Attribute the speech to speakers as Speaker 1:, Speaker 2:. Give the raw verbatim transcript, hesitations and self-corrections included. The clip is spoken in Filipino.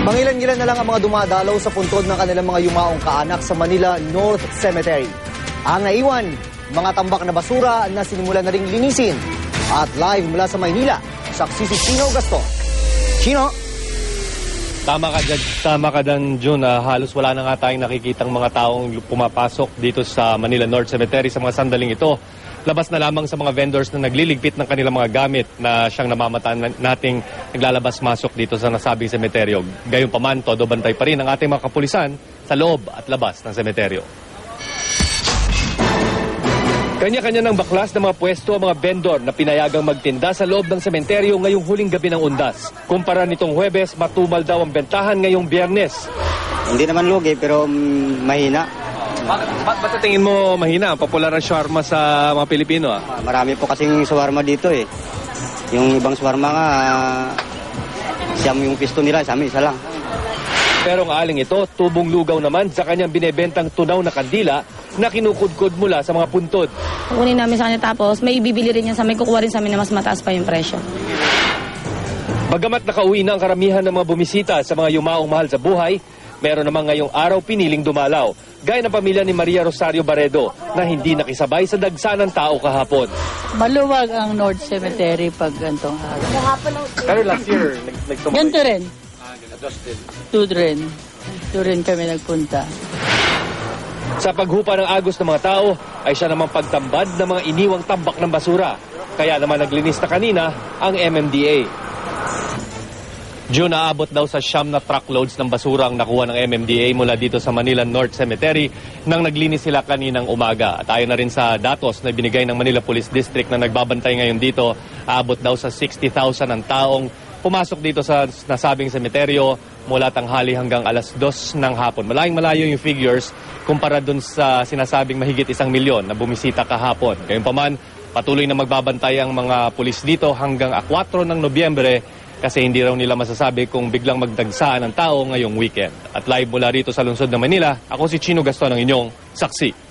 Speaker 1: Mangilan-ngilan na lang ang mga dumadalaw sa puntod ng kanilang mga yumaong kaanak sa Manila North Cemetery. Ang naiwan, mga tambak na basura na sinimulan na ring linisin. At live mula sa Maynila, saksi si Chino Gaston. Chino?
Speaker 2: Tama ka dyan, tama ka dyan, Jun. Uh, halos wala na nga tayong nakikitang mga taong pumapasok dito sa Manila North Cemetery sa mga sandaling ito. Labas na lamang sa mga vendors na nagliligpit ng kanilang mga gamit na siyang namamataan nating naglalabas-masok dito sa nasabing semeteryo. Gayunpaman, todo bantay pa rin ang ating mga kapulisan sa loob at labas ng semeteryo. Kanya-kanya ng baklas ng mga pwesto ang mga vendor na pinayagang magtinda sa loob ng sementeryo ngayong huling gabi ng undas. Kumpara nitong Huwebes, matumal daw ang bentahan ngayong Biyernes.
Speaker 3: Hindi naman lugi pero um, mahina.
Speaker 2: Bakit ba, ba, tingin mo mahina ang popular na shawarma sa mga Pilipino? Ah?
Speaker 3: Marami po kasing shawarma dito eh. Yung ibang shawarma nga, uh, siyam yung pisto nila, sa amin isa lang.
Speaker 2: Pero ang aling ito, tubong lugaw naman sa kanyang binebentang tunaw na kandila na kinukudkod mula sa mga puntod.
Speaker 4: Kukunin namin sa kanya tapos may ibibili rin yan sa may kukuha rin sa amin na mas mataas pa yung presyo.
Speaker 2: Bagamat nakauwi na ang karamihan ng mga bumisita sa mga yumaong mahal sa buhay, meron namang ngayong araw piniling dumalaw. Gaya ng pamilya ni Maria Rosario Barredo na hindi nakisabay sa dagsa ng tao kahapon.
Speaker 5: Maluwag ang North Cemetery pag gantong araw.
Speaker 2: Pero last year, nagsumabay.
Speaker 5: Ganito rin. Two rin. Two rin kami nagpunta.
Speaker 2: Sa paghupa ng agos ng mga tao, ay siya namang pagtambad ng mga iniwang tambak ng basura. Kaya naman naglinis na kanina ang M M D A. June, naabot daw sa siyam na truckloads ng basura ang nakuha ng M M D A mula dito sa Manila North Cemetery nang naglinis sila kaninang umaga. At ayon na rin sa datos na binigay ng Manila Police District na nagbabantay ngayon dito, aabot daw sa sixty thousand ang taong pumasok dito sa nasabing semeteryo mula tanghali hanggang alas dos ng hapon. Malayong malayo yung figures kumpara dun sa sinasabing mahigit isang milyon na bumisita kahapon. Gayunpaman, patuloy na magbabantay ang mga pulis dito hanggang four ng Nobyembre kasi hindi raw nila masasabi kung biglang magdagsaan ang tao ngayong weekend. At live mula rito sa lungsod ng Manila, ako si Chino Gaston, ang inyong saksi.